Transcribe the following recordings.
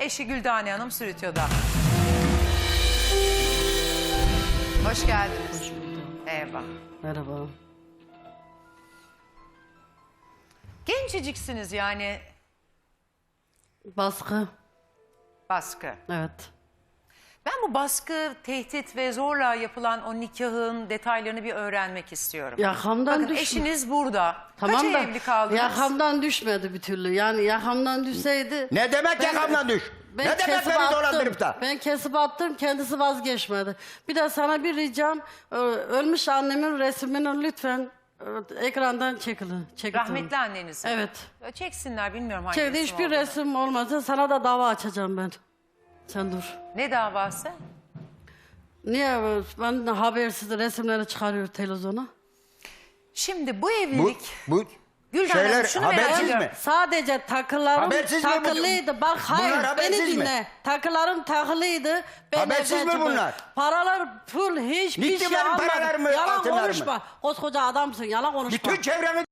Eşi Güldane Hanım stüdyoda. Hoş geldiniz. Hoş bulduk. Eyvah. Merhaba. Genceciksiniz yani. Baskı. Baskı. Evet. Ben bu baskı, tehdit ve zorla yapılan o nikahın detaylarını bir öğrenmek istiyorum. Yakamdan Bakın düşme. eşiniz burada. Tamam Kaç da ay evli kaldınız? yakamdan düşmedi bir türlü. Yani yakamdan düşseydi... Ne demek Ben- yakamdan düş? Ben Ne demek kesip beni attım. dolandırıp da? Ben kesip attım, kendisi vazgeçmedi. Bir de sana bir ricam, ölmüş annemin resmini lütfen ekrandan çekilin. Rahmetli anneniz. Evet. Çeksinler, bilmiyorum hangi Çekti resim hiçbir olduğunu. resim olmazsa sana da dava açacağım ben. Sen dur. Ne davası? Niye ben habersiz resimleri çıkarıyor televizyona? Şimdi bu Bu, evlilik... bu Gülden şeyler Hanım, şunu merak habersiz ediyorum. mi? Sadece takılarım Habersiz mi bu? takılıydı. Bak Bunlar hayır beni habersiz mi? dinle. Takılarım takılıydı. Ben Habersiz evden mi çıktım. bunlar? Paralar full hiçbir Gitti şey benim almadım. paralarımı, Yalan altınlarımı. konuşma. Koskoca adamsın yalan konuşma. Bütün çevremi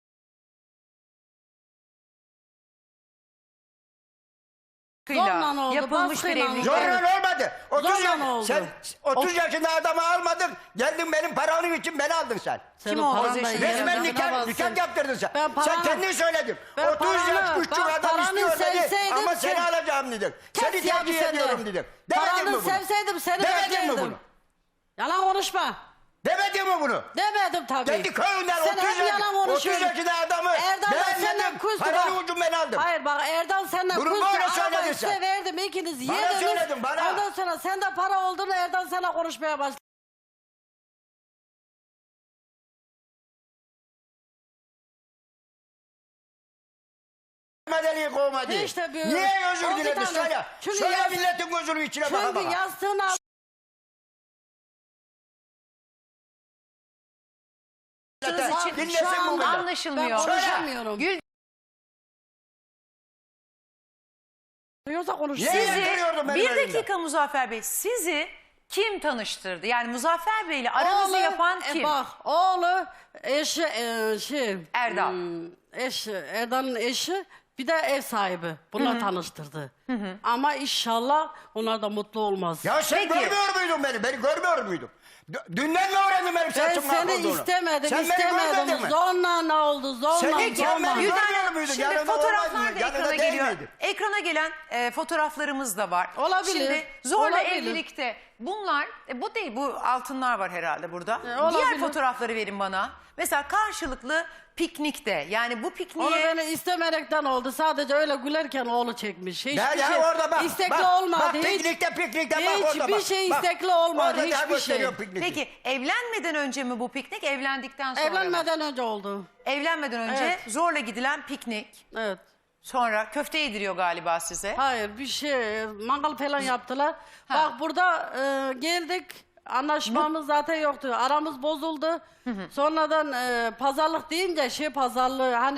Zorla oldu, yapılmış bir baskıyla evlilik. oldu. zorla olmadı. 30 Zorla oldu. Sen 30 yaşında adamı almadın. Geldin benim paramın için beni aldın sen. Senin Kim o? paran da Resmen yerine Resmen nikah bassın. yaptırdın sen. Ben Sen paranı- kendin söyledin. Ben 30 yaş paranı- küçük bak, adam paranı istiyor dedi. sevseydim Ama seni sen- alacağım dedim. Seni Kes ya tercih bir sen de. ediyorum dedim. Demedin mi Paranı bunu? sevseydim seni Demedin mi beklerdim. bunu? Yalan konuşma. Demedin mi bunu? Demedim tabii. Kendi köyünden Sen 30 hep yalan 30 konuşuyorsun. yaşında adamı Erdal da senden beğenmedim. kuzdu Paranı bak. ucum ben aldım. Hayır bak Erdal senden Bunu kuzdu. böyle Ama söyledin ben sen. size verdim ikiniz Bana yediniz. söyledin, bana. Ondan sonra sende para olduğunu Erdal sana konuşmaya başladı. Madeliği kovmadı. İşte bir- Niye özür o bir diledin tane- söyle. Çünkü Söyle yaz- milletin gözünün içine baka Çünkü baka. yastığını al. Yaptığınız için Dinlesin şu an bu beni. anlaşılmıyor. Ben Söyle. konuşamıyorum. Gül Yoksa konuş. Niye sizi yandırıyordun benim bir elimde? dakika Muzaffer Bey, sizi kim tanıştırdı? Yani Muzaffer Bey ile aranızı yapan kim? Bak oğlu eşi Erdal. Erdal'ın eşi bir de ev sahibi. Bunlar tanıştırdı. Ama inşallah onlar da mutlu olmaz. Ya sen Peki. görmüyor muydun beni? Beni görmüyor muydun? Dünden mi öğrendin benim Ben saçım seni mahvolduğunu? istemedim, Sen beni görmedin istemedim. mi? Zorla ne oldu? Zorla, Sen zorla. hiç görmedin. Gülden Görmüyor Hanım, muydun? şimdi Yanında fotoğraflar olmaydın, da yanında ekrana değil geliyor. miydin? Ekrana gelen fotoğraflarımız da var. Olabilir, Şimdi zorla olabilir. evlilikte bunlar, bu değil, bu altınlar var herhalde burada. Olabilir. Diğer fotoğrafları verin bana. Mesela karşılıklı piknikte, yani bu Onu pikniğe... beni istemerekten oldu. Sadece öyle gülerken oğlu çekmiş. Hiçbir Ya, şey orada bak. istekli bak, olmadı. Bak Hiç- piknikte bak orada bak. Hiçbir şey Bak, istekli olmadı. Orada daha Hiçbir şey. gösteriyor pikniği. Peki evlenmeden önce mi bu piknik, evlendikten sonra mı? Evlenmeden önce oldu. Evlenmeden önce Evet. zorla gidilen piknik. Evet. Sonra köfte yediriyor galiba size. Hayır bir şey mangal falan yaptılar. Bak burada geldik anlaşmamız zaten yoktu. Aramız bozuldu. Sonradan pazarlık deyince pazarlığı hani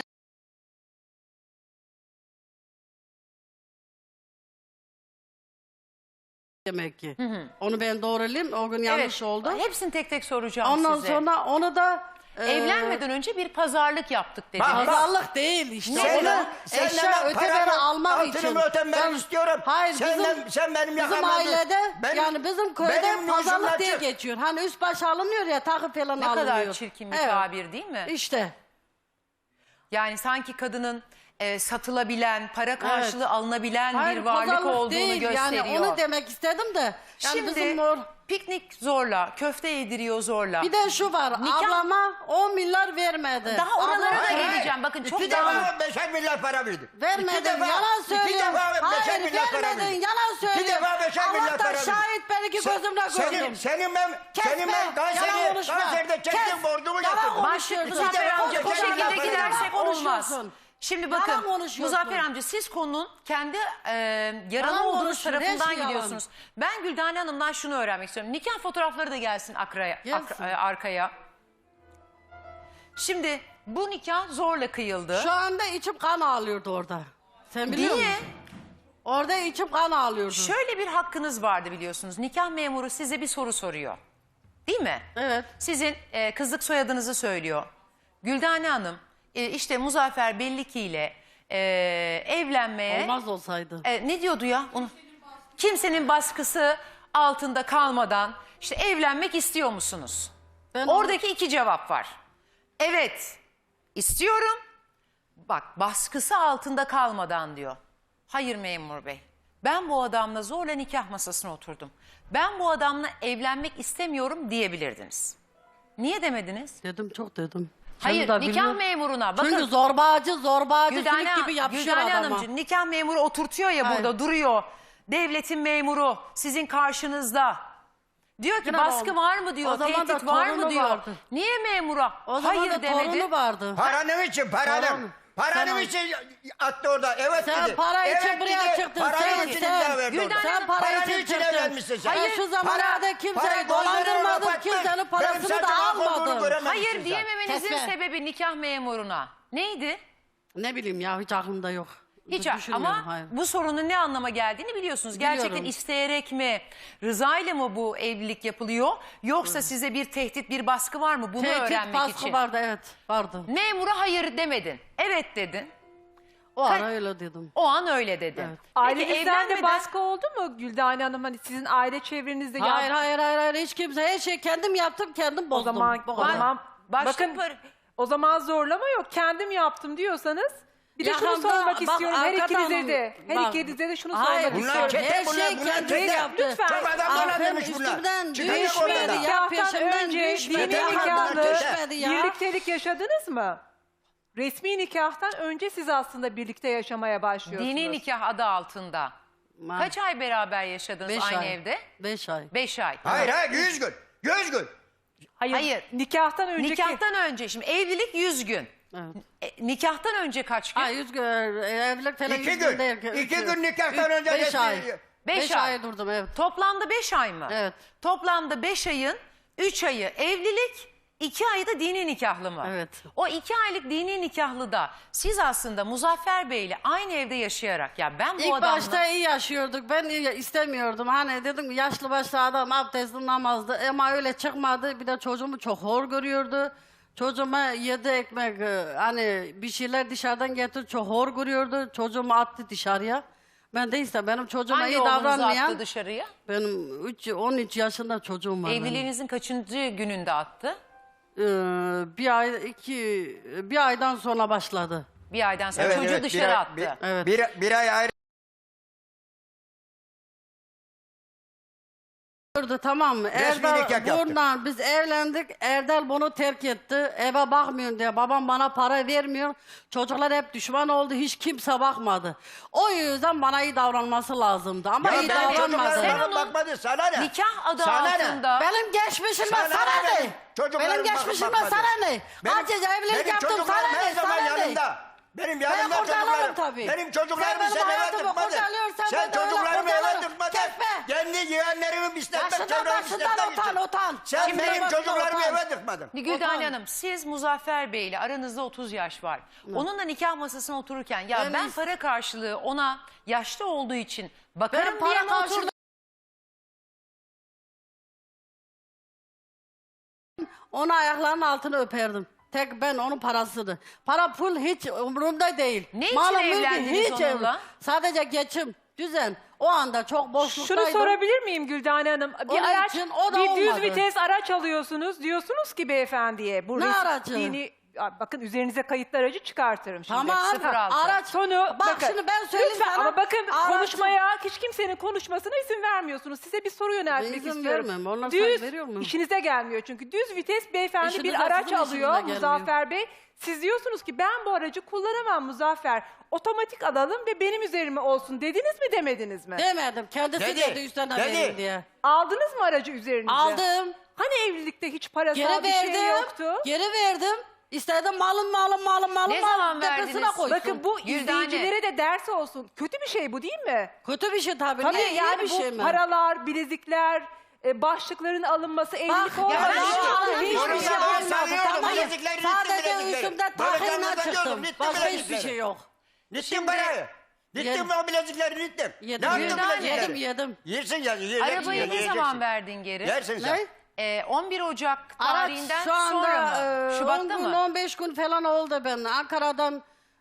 demek ki. Onu ben doğrulayayım. O gün yanlış oldu. Hepsini tek tek soracağım Ondan size. sonra onu da Evlenmeden önce bir pazarlık yaptık dediniz. Bak, pazarlık değil işte. Senden- Onu senden eşya ben öteberi paramı, almak için. altınımı ötemeni istiyorum. Hayır Sen benim bizim yakamdan ailede benim- yani bizim köyde benim pazarlık yüzümden diye çık. geçiyor. Hani üst baş alınıyor ya takı falan Ne alınıyor. kadar çirkin bir Evet. tabir değil mi? İşte. Yani sanki kadının satılabilen, para karşılığı alınabilen Hayır, bir varlık pazarlık olduğunu değil. gösteriyor. Yani onu demek istedim de. Yani Şimdi bizim piknik zorla, köfte yediriyor zorla. bir de şu var. Nikah- Ablama 10 milyar vermedi. Daha oralara da Ablama- geleceğim. Bakın çok İki daha... defa 5'er milyar para verdim. Vermedin, İki defa- yalan söylüyorsun. İki defa 5'er Hayır, milyar para vermedin, verdim. yalan söylüyorsun. İki defa 5'er milyar Allah para da verdim. şahit ben iki gözümle gördüm. Senin ben Yalan Kayseri'de çektiğim borcumu yatırdım. konuşuyorsun. Muzaffer amca bu Koskoca şekilde yalan gidersek olmaz. konuşuyorsun. Şimdi Yalan bakın konuşuyorsun. Muzaffer amca siz konunun kendi yaralı Yalan olduğunuz konuşuyor, tarafından hepsi yalan. gidiyorsunuz. Ben Güldane Hanım'dan şunu öğrenmek istiyorum. Nikah fotoğrafları da gelsin Gelsin. arkaya. Şimdi bu nikah zorla kıyıldı. Şu anda içim kan ağlıyordu orada. Sen biliyor Niye? musun? Orada içim kan ağlıyordu. Şöyle bir hakkınız vardı biliyorsunuz. Nikah memuru size bir soru soruyor. Değil mi? Evet. Sizin kızlık soyadınızı söylüyor. Güldane Hanım işte Muzaffer Belliki ile evlenmeye... Olmaz olsaydı. Ne diyordu ya? Onu, kimsenin baskısı altında kalmadan işte evlenmek istiyor musunuz? Ben Oradaki iki cevap var. Evet, istiyorum. Bak, baskısı altında kalmadan diyor. Hayır memur bey. Ben bu adamla zorla nikah masasına oturdum. Ben bu adamla evlenmek istemiyorum diyebilirdiniz. Niye demediniz? Dedim, çok dedim. Hayır, Kendi de nikah bilmiyorum. memuruna bakın. Çünkü zorbacı sülük gibi yapışıyor Güldane adama. Hanımcığım, nikah memuru oturtuyor ya Hayır. burada duruyor. Devletin memuru sizin karşınızda. Diyor ki Yine baskı o- var mı diyor, o zaman da tehdit var mı torunu diyor. vardı. Niye memura? O zaman Hayır da demedi. torunu vardı. Paranın için paranın. Tamam. Paranın Tamam. için attı orada. Evet Sen dedi. para için evet buraya dedi. çıktın. Paranın için imza verdi Güldane orada. Sen para Paranın için için çıktın. evlenmişsin sen. Hayır, şu zamanlarda kimseyi parayı dolandırmadın, gözlerine kimsenin kapattın. parasını Benim da saçma olduğunu almadın. görememişsin Hayır sen. diyememenizin Kesme. sebebi nikah memuruna. Neydi? Ne bileyim ya, hiç aklımda yok. Hiç Düşünmüyorum, ama hayır. bu sorunun ne anlama geldiğini biliyorsunuz. Gerçekten Biliyorum. isteyerek mi, rızayla mı bu evlilik yapılıyor? Yoksa size bir tehdit, bir baskı var mı bunu Tehdit, öğrenmek baskı için? vardı, evet, vardı. Memura hayır demedin. Evet dedin. O ara öyle dedim. O an öyle dedin. Evet. Ailenizden de evlenmeden- baskı oldu mu Güldane Hanım? Hani sizin aile çevrenizde Hayır, hiç kimse, her şey kendim yaptım, kendim o bozdum. zaman Bu o kadar. zaman Başka bakın bir- o zaman zorlama yok. Kendim yaptım diyorsanız bir de şunu Yakında- sormak bak, istiyorum. Her Avukat ikinize Hanım, de. Her bak. ikinize de şunu Hayır, sormak Bunlar istiyorum. çete, her şey bunlar kendisi çete. yaptı. Lütfen. Çok adam Aferin, dolandırmış bunlar. üstümden Çıkacak düşmedi ortada. ya. Nikahtan peşimden önce düşmedi. dini Yakında nikahlı düşmedi ya. birliktelik yaşadınız mı? Resmi nikahtan önce siz aslında birlikte yaşamaya başlıyorsunuz. Dini nikah adı altında. Kaç ay beraber yaşadınız 5 aynı ay. evde? 5 ay. 5 ay. Hayır 100 gün. 100 gün. Hayır. Nikahtan önceki. Nikahtan önce şimdi evlilik 100 gün. Evet. Nikahtan önce kaç gün? Ha, 100 gün, evlilik falan 2 100 gün. değil. 2 gün nikahtan önce 5 resmi- ay. 5 5 ay. ay durdum, evet. Toplamda 5 ay mı? Evet. Toplamda 5 ayın 3 ayı evlilik, 2 ayı da dini nikahlı mı? Evet. O 2 aylık dini nikahlıda siz aslında Muzaffer Bey ile aynı evde yaşayarak ya ben bu İlk adamla... başta iyi yaşıyorduk. Ben istemiyordum. Hani dedim yaşlı başlı adam abdestli namazdı. Ama öyle çıkmadı. Bir de çocuğumu çok hor görüyordu. Çocuğuma 7 ekmek hani bir şeyler dışarıdan getir çok hor görüyordu. Çocuğumu attı dışarıya. Ben de işte benim çocuğuma Hangi iyi oğlunuzu davranmayan attı dışarıya? benim 13 yaşında çocuğum var. benim. Evliliğinizin kaçıncı gününde attı? Bir aydan sonra başladı. Bir aydan sonra çocuğu dışarı bir ay, attı. Evet. Bir ay ayrı. Gördü, tamam mı? Resmi nikah yaptı. Bundan biz evlendik. Erdal bunu terk etti. Eve bakmıyorsun diye. Babam bana para vermiyor. Çocuklar hep düşman oldu. Hiç kimse bakmadı. O yüzden bana iyi davranması lazımdı. Ama Ya iyi benim davranmadı. çocuklarıma Sen onun bakmadı sana ne? Nikah adı Sana ne? altında. Benim geçmişime Sana sana ne ne? benim çocuklarıma Benim geçmişime bakmadı? sana ne? Kaç evlilik yaptım çocuklarım sana her ne? zaman Sana ne? yanımda. Benim yanımda kurtarırım çocuklarım. tabii. Benim çocuklarımı Sen sen benim eve hayatımı tıkmadın. kurtarıyorsan Sen ben de öyle çocuklarımı eve kurtarırım. tıkmadın. Kesme. Kendi yeğenlerimi pisletmek, Yaşından çevremi başından pisletmek için. utan. Sen Şimdi benim başından çocuklarımı utan. eve tıkmadın. Güldane Otan. Hanım siz Muzaffer Bey ile aranızda 30 yaş var. Onunla nikah masasına otururken ya ben para karşılığı ona yaşlı olduğu için bakarım Benim diye para mi karşılığı oturdun? Onu ayaklarının altına öperdim. Tek ben onun parasını. Para pul hiç umurumda değil. Ne için Malım, mülküm evlendiniz hiç onunla? Sadece geçim, düzen. O anda çok boşluktaydım. Şunu sorabilir miyim Güldane Hanım? Bir Onun araç, için o da bir düz olmadı. vites araç alıyorsunuz. Diyorsunuz ki beyefendiye. Bu Ne res- aracı? bakın üzerinize kayıtlı aracı çıkartırım şimdi. Tamam. 06. Araç. Sonu Bak şimdi ben söyleyeyim lütfen, sana. ama bakın Araç- konuşmaya hiç kimsenin konuşmasına izin vermiyorsunuz. Size bir soru yöneltmek İzin istiyorum. vermem. Onlar Düz, sana veriyor mu? işinize gelmiyor çünkü. Düz vites beyefendi İşinize, bir araç sizin işinize alıyor gelmiyor. Muzaffer Bey. Siz diyorsunuz ki ben bu aracı kullanamam Muzaffer. Otomatik alalım ve benim üzerime olsun dediniz mi demediniz mi? Demedim. Kendisi Dedi. dedi üstüne Dedi. verin diye. Aldınız mı aracı üzerinize? Aldım. Hani evlilikte hiç parasal Geri bir şey verdim. yoktu? Geri verdim. İstedim malım. Ne zaman tepesine verdiniz? koysun. Bakın bu Güldane. izleyicilere de ders olsun. Kötü bir şey bu değil mi? Kötü bir şey tabii. Tabii Niye, iyi yani bir bu şey mi? paralar, bilezikler, başlıkların alınması, evlilik Bak, olmadan ya ben hiçbir aldım, şey hiçbir şey Yorumda almadım. sanıyordum, Tamam. bilezikleri gitti, Sadece bilezikleri. üstümde Böyle takıyla yanımda çıktım. diyordum, gitti Başka hiçbir bilezikleri. şey yok. Gittim parayı. Gittim Yedim. o bilezikleri gittim. Yedim, Ne yaptın Güldane. bilezikleri? yedim. Yersin ya. Yiyeceksin, Arabayı ne yiyeceksin. zaman verdin geri? Yersin sen. Ne? 11 Ocak Araç tarihinden şu anda sonra mı? 10 Şubat'ta gün mı? 15 gün falan oldu ben. Ankara'dan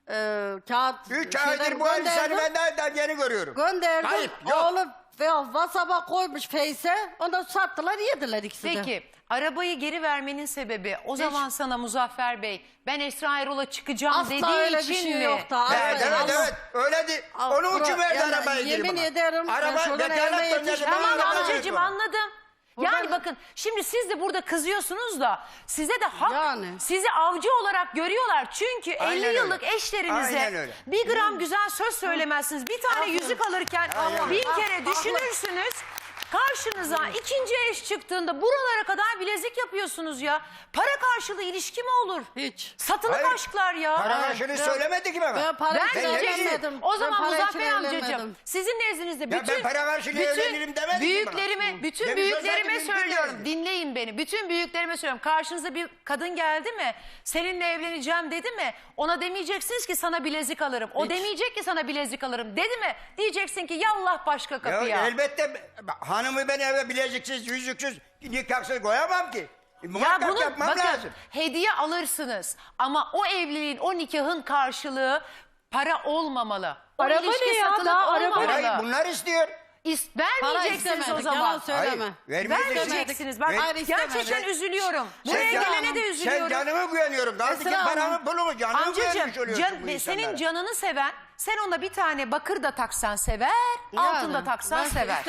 kağıt 3 şeyler aydır bu elbiseni gönderdim. ben daha yeni görüyorum. Gönderdim. Kayıp yok. Oğlum WhatsApp'a koymuş Face'e. Ondan sattılar yediler ikisi de. Peki arabayı geri vermenin sebebi o zaman sana Muzaffer Bey ben Esra Erol'a çıkacağım Asla dediği öyle bir için şey mi? yoktu. Evet Asla. evet evet öyle değil. Al, Onun için bura- verdi yani arabayı geri yemin bana. ederim, ben Araba şuradan vekalet evime gönderdi yetiştim. bana. Tamam arabayı verdi amcacığım bana. anladım. Buradan- Yani bakın şimdi siz de burada kızıyorsunuz da size de hak Yani. sizi avcı olarak görüyorlar. Çünkü Aynen 50 öyle. yıllık Aynen eşlerinize öyle. bir gram güzel söz söylemezsiniz. Bir tane Aferin. yüzük alırken Aynen. 1000 kere düşünürsünüz. Karşınıza ikinci eş çıktığında buralara kadar bilezik yapıyorsunuz ya. Para karşılığı ilişki mi olur? Hiç. Satılık Hayır. aşklar ya. Para karşılığı söylemedi ki bana. Ben para Ben için diyeceksin. evlenmedim. O Ben zaman para için Muzaffer amcacığım evlenmedim. sizin nezdinizde ben bütün para karşılığı evlenirim demedi ki büyüklerime, bütün Demiş büyüklerime olsaydı söylüyorum. bilirdim. Dinleyin beni. Bütün büyüklerime söylüyorum. Karşınıza bir kadın geldi mi? Seninle evleneceğim dedi mi? Ona demeyeceksiniz ki sana bilezik alırım. O demeyecek ki sana bilezik alırım. Dedi mi? Diyeceksin ki yallah başka kapıya. Ya elbette hanımı ben eve bileziksiz, yüzüksüz, nikahsız koyamam ki. Ya Muhakkak bunu yapmam bakın lazım. hediye alırsınız ama o evliliğin, o nikahın karşılığı para olmamalı. O Araba ilişki ne ya? satılık Daha araba- olmamalı. Parayı bunlar istiyor. Para Vermeyeceksiniz o istemedik. zaman. Yalan söyleme. Hayır, Vermeyeceksiniz. Bak Hayır, istemedik. gerçekten üzülüyorum. Sen Buraya can- gelene de Sen üzülüyorum. canımı güveniyorum. Kaldı ki Esra paramı Hanım. pulumu canımı Amcacığım güvenmiş oluyorsun bu senin insanlara. canını seven, sen ona bir tane bakır da taksan sever, Yani, altın da taksan ben sever.